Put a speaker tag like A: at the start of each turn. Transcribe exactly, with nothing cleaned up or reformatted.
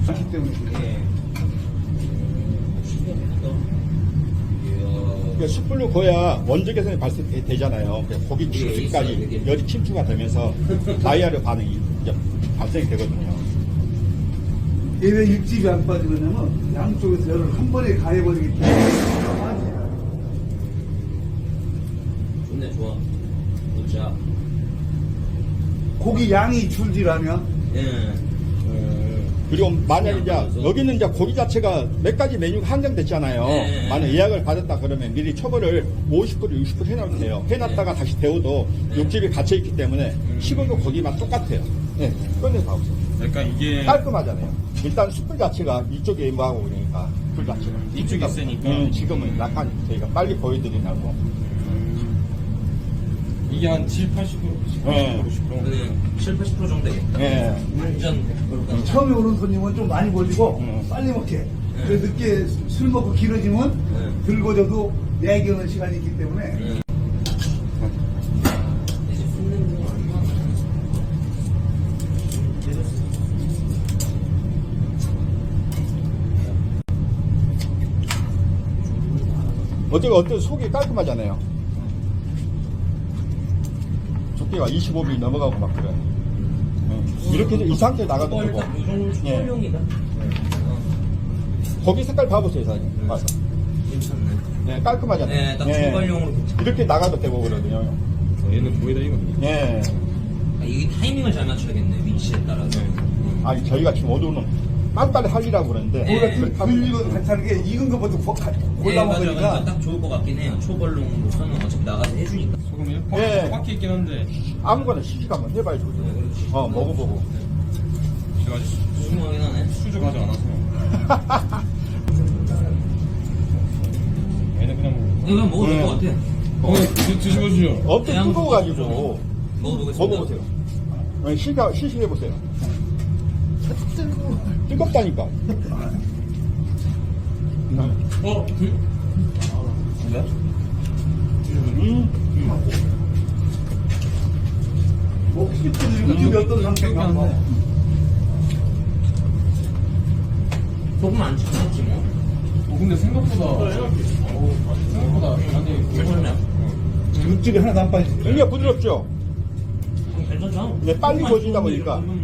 A: 그렇기 때문에 그래.
B: 그러니까 숯불로 구워야 원적 개선이 발생되잖아요. 그러니까 고기 축수까지 열이 침투가 되면서 다이아르 반응이 이제 발생이 되거든요.
A: 얘왜 육즙이 안 빠지느냐면 양쪽에서 열을 한 번에 가해버리기 때문에
C: 좋네, 좋아. 진짜.
A: 고기 양이 줄지라면
C: 예.
B: 그리고 만약에 이제 여기는 이제 고기 자체가 몇 가지 메뉴가 한정됐잖아요.
C: 네.
B: 만약 예약을 받았다 그러면 미리 초벌을 오십 프로, 육십 프로 해놓으면 돼요. 해놨다가
C: 네.
B: 다시 데워도
C: 네.
B: 육즙이 갇혀있기 때문에 식은도 고기만 똑같아요. 네, 꺼내서 하고 있어요.
D: 그러니까 이게
B: 깔끔하잖아요. 일단 숯불 자체가 이쪽에 임하고 그러니까 불 자체가
D: 이쪽에 있으니까.
B: 음, 지금은 약간 저희가 빨리 보여드리려고.
D: 이게 한 칠, 팔십 프로,
B: 네.
D: 오십 프로.
C: 그는 칠, 팔십 퍼센트 정도 되겠다.
B: 예.
C: 완전. 그러니까
A: 처음에 오는 손님은 좀 많이 벌리고
B: 음.
A: 빨리 먹게. 그래서 늦게 술 먹고 길어지면
C: 네.
A: 들고져도 내기하는 시간이 있기 때문에
C: 예. 이제 굽는 거 얼마나.
B: 어떻게 어떤 속이 깔끔하잖아요. 두께가 이십오 밀리미터 넘어가고 막 그래요. 예. 이렇게 해서 이 상태에 나가도 되고.
C: 일단 이 정도
B: 예.
C: 초벌용이다.
B: 고기 색깔 봐보세요, 사장님. 봐서.
C: 괜찮네.
B: 예, 깔끔하잖아요.
C: 네, 딱 초벌용으로 괜찮아.
B: 이렇게 나가도 되고 그러거든요.
D: 얘는 거의 다 이거든요.
B: 예.
C: 아, 이게 타이밍을 잘 맞춰야겠네, 위치에 따라서. 음.
B: 아니, 저희가 지금 오도는 빨리빨리 하려고 그러는데.
C: 네.
A: 그 불리고 괜찮은 게 익은 것부터 고- 가-
C: 네,
A: 골라
C: 맞아,
A: 먹으니까
C: 맞아. 딱 좋을 것 같긴 해요. 초벌용으로서는 어차피 나가서 해주니까.
D: 소금이 팍,
B: 예.
D: 팍 있긴 한데.
B: 아무거나 시식 한번 해봐야죠.
C: 네, 그렇지.
B: 어, 먹어보고.
D: 제가 아직
C: 궁금하긴 하네.
D: 수저 가지 않아서. 얘는 그냥 뭐.
C: 이거 먹어도 될
B: 네.
C: 것 같아.
D: 어, 드- 드셔보시죠.
B: 엄청
C: 그냥
B: 뜨거워가지고.
C: 먹어보겠습니다.
B: 먹어보세요. 어, 시가, 시식해보세요. 뜨겁다니까.
D: 어, 그,
B: 음.
A: 혹시 육즙이 어떤 상태인가 한번
C: 조금 안 치겠지 뭐.
D: 어, 근데 생각보다. 어, 생각보다. 아니,
C: 괜찮네.
A: 육즙이 하나도 안 빠지지.
B: 굉장히 부드럽죠?
C: 음, 괜찮죠?
B: 근데 빨리 구워지다 보니까.